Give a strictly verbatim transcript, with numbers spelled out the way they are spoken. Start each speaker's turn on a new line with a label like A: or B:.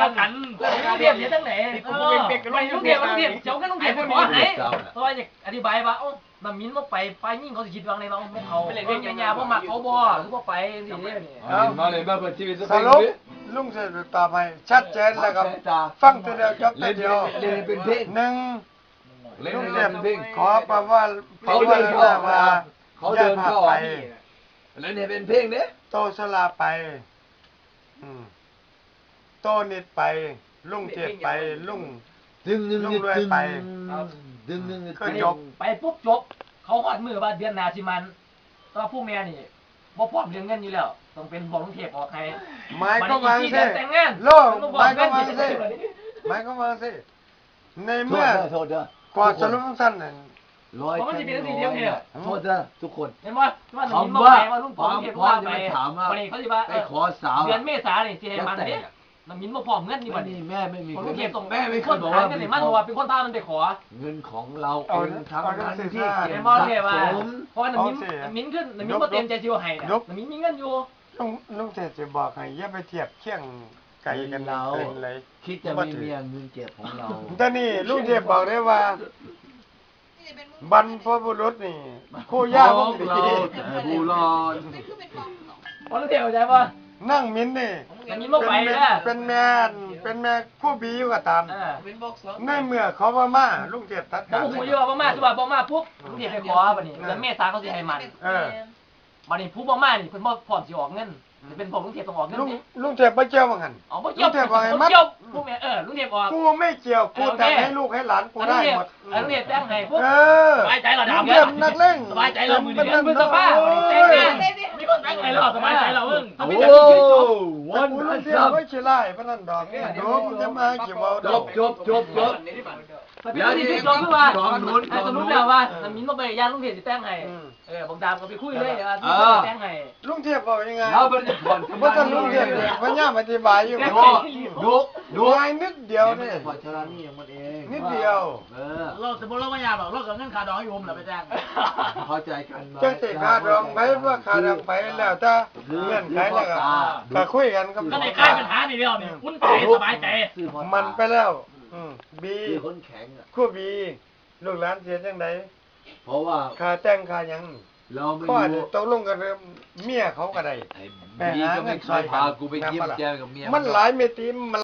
A: กันลุงเทียบเนี่ยตั้งไหนไปลุงเทียบลุงเทียบเจ้าก็ลุงเทียบขอไหนเพราะว่าจะอธิบายว่าโอ้น้ำมิ้นบ่ไปไปยิ่งเขาสิคิดว่าไงบ้างพวกเขาเป็นเรื่องยาบ่มักเขาบ่หรือบ่ไปสิเนี่ย
B: มาเลยมาเปิดชีวิต
C: สรุปลุงเสร็จตอบให้ชัดเจนแล้วครับฟังตัวเดียวจบตัวเดียว
B: เล่นเป็นเพลง
C: หนึ่ง
B: เล่น
C: ลุง
B: เป็
C: เจ็
B: น
C: บ
B: เพลง
C: ขอประว่า
B: เขาเดินเข้ามาเขาเดินเข้า
C: ไป
B: เล่นเป็นเพลงเนี้ย
C: โตสลาไปอืมโตนิดไป ลุงเจ็บไปลุง
B: ดึงดึง
C: ลุง
B: ดึง
C: รวยไป
B: ดึงดึง
C: ก็จบ
A: ไปปุ๊บจบเขาหอดมือว่าเดือนหน้าสิมันแต่ว่าผู้แม่นี่บ่พร้อมเรื่องเงินอยู่แล้วต้องเป็นบอกลุงเทพออกให้
C: หมายก็วางสิ
A: แต่งงาน
C: โลกหมายก็วางสิหมายก็วางสิใน
B: โท
C: เมื่อ
B: ษโทษเด้อก
C: ว่าสรุปสั้นน่ะ
B: ร้อยโทษเด้อทุกคน
A: เห็นว่าว่าน้ำมิ้นบ่
B: คำว่า
A: ไปว่าลุง
B: ความ
A: เทพ
B: พร้อ
A: ว่าม
B: จะ
A: ไป
B: ไม่ถามว่า
A: วันนี้เขาสิว่า
B: ไปขอสาว
A: เดือนเมษานี่สิให้มันเด้น้ำมิ้นบ่พร้อมเงินนี่
B: วั
A: วัน น
B: นี้
A: นี้
B: แม่ไม่มี
A: ลุงเทพส่ง
B: แม่ไม่เค
A: ค
B: ย
A: น
B: บอก
A: หา
B: ว่า
A: เงินให้มันเพราะว่าเป็นคนพามันไปขอ
B: เงินของเรา
C: เอา
B: เองทั้งนั้นที่
C: เอา
B: เก็
A: เห็
B: บ
A: นบ่
B: สะ
A: เทพว่า
B: สม
A: เพราะว่าน้ำมิ้นน้ำมิ้นขึ้นน้ำมิ้นบ่เต็มใจสิเอาให้น่ะน้ำมิ้นมีเงินอยู่
C: ลุงลุงเจ็บจะบอกให้อย่าไปเทียบเคียงไก่กัน
B: เรา
C: เป็นเลย
B: คิดจะมีเมียเงินเก็บของเรา
C: แต่นี่ลุงเจ็บบอกได้ว่าบรรพบุรุษนี่คู่ย่า
B: ข
C: พว
B: อก ง
C: นี้
B: เราแต่ผู้รอด
A: เพราะลุงเทพเข้าใจป่ะ
C: นั่งมิ้นนี่
A: น้ำมิ้นบ่ไป
C: เป็น
A: นะ
C: เป็นแม่นเป็นแม่คู่บีอยู่ก็ตาม
A: อ่า
C: ในเมื่อเขาว่ามาลุงเจ็บตัด
A: บ่
C: ขาด
A: ฮู้อยู่ว่าบ่มาสิว่าบ่มาปุ๊บลุงเทพไปขอบัดนี้เดือนเมษาเขาสิให้มัน
C: เออ
A: บัดนี้ผู้บ่มานี่เพิ่นบ่พร้อมสิออกเงินจะเป็นพวกลุงเทพต้องออกเงิน
C: ลุง
A: นี่
C: ลุงเจ็บไม่เจียวว่างั้น
A: อ๋อบ่เกี่ยว
C: ลุงเทพว่าไงมัด
A: บ่เกี่ยวผู้แม่เออลุงเทพออก
C: กูไม่เกี่ยวกูแต่งให้ลูกให้หลานกูได้หมด
A: อันลุงเทพแต่งให้ปุ๊บ
C: เออ
A: สบายใจเราดาว
C: ลุงเจ็บนักเล่น
A: สบายใจเรามือ
C: เป็น
A: เดือนพฤษภาคมแต่งงานมีคนแต่งให้เราสบายใจเราเอิ้ง
B: โอ้
A: มีแต่ที่จบ
B: วัน
C: กู
B: นั้
C: ลุ
B: น
C: งเจ็บ
B: ครับ
C: ไม่ใช่ไล่พนันดอกเนี่ยดูมึงจะมาเกี่ยวเอา
B: จ
C: ดอบ ก
B: จบจบจบ
A: เดี๋ยวที่จบคือว่า
B: จอมนุน
A: ไอ้สมมุติแล้วว่าน้ำมิ้นบ่ไปย่างลุงเทพสิแต่งให้เออบอกดามก็ไปคุยเลยว่าลุงเทพแต่งให้
C: ลุงเทียบบอกยังไง
B: เราเป็นผ่อน
C: ว่าจะลุงเทียบเนี่ยพยายามอธิบายอยู่
B: ดูดูดู
C: ง่ายนิดเดียวเนี่ย
B: ผ่อนชรานี่อย่างมันเอง
C: นิดเดียว
B: เออ
D: เราสมมติเราไม่อยากหรอกเรากับเงินขาดองให้ผมเหรอไปจ้าง
B: เข้าใจกัน
C: จะติขาดองไปว่าขาดองไปแล้วถ้าเงื่อนไขแล้วก็ก็คุยกันกับ
D: ก็ในค่ายปัญหานี่เดียวนี่คุ้นใจสบายใจ
C: มันไปแล้วอืมบี
B: คือคนแข็งอ่ะ
C: คู่บีลูกหลานเสียจังได
B: เพราะว่า
C: ค่าแต่งค่าหยัง
B: เราไม่
C: ข้อ
B: รู้
C: นี้ตกลงกันเรื่องเมียเขาก็ได้
B: ไอ้บีก็ไม่เคยพากูไปเยี่ยมแจมกับเมีย
C: มันหลายเมตรีมัน